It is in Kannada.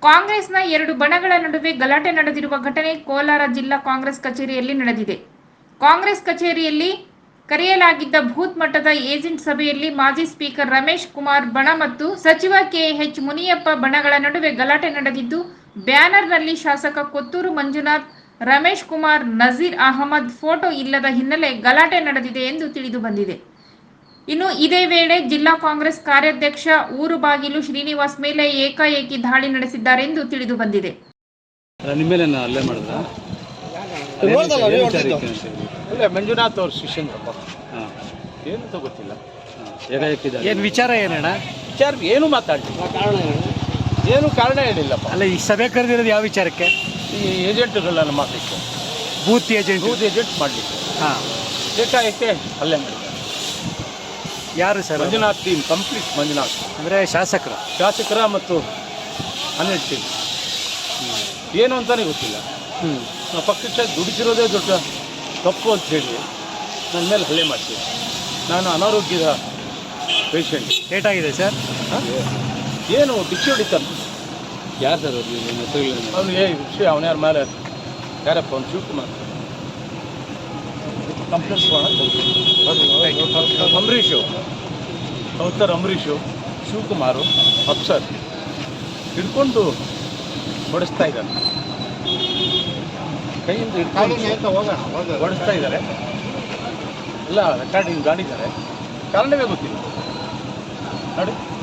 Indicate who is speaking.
Speaker 1: ಕಾಂಗ್ರೆಸ್ನ ಎರಡು ಬಣಗಳ ನಡುವೆ ಗಲಾಟೆ ನಡೆದಿರುವ ಘಟನೆ ಕೋಲಾರ ಜಿಲ್ಲಾ ಕಾಂಗ್ರೆಸ್ ಕಚೇರಿಯಲ್ಲಿ ನಡೆದಿದೆ. ಕಾಂಗ್ರೆಸ್ ಕಚೇರಿಯಲ್ಲಿ ಕರೆಯಲಾಗಿದ್ದ ಬೂತ್ ಮಟ್ಟದ ಏಜೆಂಟ್ ಸಭೆಯಲ್ಲಿ ಮಾಜಿ ಸ್ಪೀಕರ್ ರಮೇಶ್ ಕುಮಾರ್ ಬಣ ಮತ್ತು ಸಚಿವ ಕೆಎಚ್ ಮುನಿಯಪ್ಪ ಬಣಗಳ ನಡುವೆ ಗಲಾಟೆ ನಡೆದಿದ್ದು, ಬ್ಯಾನರ್ನಲ್ಲಿ ಶಾಸಕ ಕೊತ್ತೂರು ಮಂಜುನಾಥ್, ರಮೇಶ್ ಕುಮಾರ್, ನಜೀರ್ ಅಹಮದ್ ಫೋಟೋ ಇಲ್ಲದ ಹಿನ್ನೆಲೆ ಗಲಾಟೆ ನಡೆದಿದೆ ಎಂದು ತಿಳಿದುಬಂದಿದೆ. ಇನ್ನು ಇದೇ ವೇಳೆ ಜಿಲ್ಲಾ ಕಾಂಗ್ರೆಸ್ ಕಾರ್ಯಾಧ್ಯಕ್ಷ ಊರುಬಾಗಿಲು ಶ್ರೀನಿವಾಸ್ ಮೇಲೆ ಏಕಾಏಕಿ ದಾಳಿ ನಡೆಸಿದ್ದಾರೆ ಎಂದು ತಿಳಿದುಬಂದಿದೆ.
Speaker 2: ಮಂಜುನಾಥ್ ಅವ್ರ ಶಿಷ್ಯಂದ್ರಪ್ಪ ಏನಂತ ಗೊತ್ತಿಲ್ಲ.
Speaker 3: ಏನು ವಿಚಾರ ಏನಣ್ಣ?
Speaker 2: ವಿಚಾರ ಏನು ಮಾತಾಡಲಿಲ್ಲ, ಏನು ಕಾರಣ ಹೇಳಿಲ್ಲಪ್ಪ.
Speaker 3: ಅಲ್ಲ, ಈ ಸಭೆ ಕರೆದಿರೋದು ಯಾವ ವಿಚಾರಕ್ಕೆ?
Speaker 2: ಈ ಏಜೆಂಟ್ಗಳನ್ನ ಮಾಡಲಿಕ್ಕೆ,
Speaker 3: ಬೂತ್ ಏಜೆಂಟ್
Speaker 2: ಮಾಡಲಿಕ್ಕೆ.
Speaker 3: ಹಾಂ,
Speaker 2: ಏಕಾಏಕೆ ಹಲ್ಲೆ ಮಾಡಿದ್ದಾರೆ.
Speaker 3: ಯಾರು sir?
Speaker 2: Manjunath team, complete Manjunath
Speaker 3: ಅಂದರೆ ಶಾಸಕರ
Speaker 2: ಮತ್ತು 12 ಟೀಮ್. ಏನು ಅಂತಲೇ ಗೊತ್ತಿಲ್ಲ. ಪಕ್ಷಕ್ಕೆ ದುಡಿಸಿರೋದೇ ದೊಡ್ಡ ತಪ್ಪು ಅಂತ ಹೇಳಿ ನನ್ನ ಮೇಲೆ ಹಲ್ಲೆ ಮಾಡ್ತೀವಿ. ನಾನು ಅನಾರೋಗ್ಯದ ಪೇಷಂಟ್.
Speaker 3: ಏಟಾಗಿದೆ ಸರ್?
Speaker 2: ಏನು ಡಿಕ್ಕಿ ಹೊಡಿತಾನೆ.
Speaker 3: ಯಾರು ಸರ್
Speaker 2: ಅವನು ವಿಷಯ ಅವನ್ಯಾರ ಮೇಲೆ ಯಾರಪ್ಪ ಅವ್ನು ಶಿವಕುಮಾರ್ ಕಂಪ್ಲೇಂಟ್ ಅಂಬರೀಷು ಶಿವಕುಮಾರು ಅಪ್ಸರ್ ಹಿಡ್ಕೊಂಡು ಹೊಡೆಸ್ತಾ ಇದ್ದಾನೆ. ಕೈಯಿಂದ ಹಿಡ್ಕೊಂಡು ಹೊಡೆಸ್ತಾ ಇದ್ದಾರೆ. ಎಲ್ಲ ರೆಕಾರ್ಡಿಂಗ್ ಗಾಡಿದ್ದಾರೆ. ಕಾರಣವೇ ಗೊತ್ತಿಲ್ಲ ನೋಡಿ.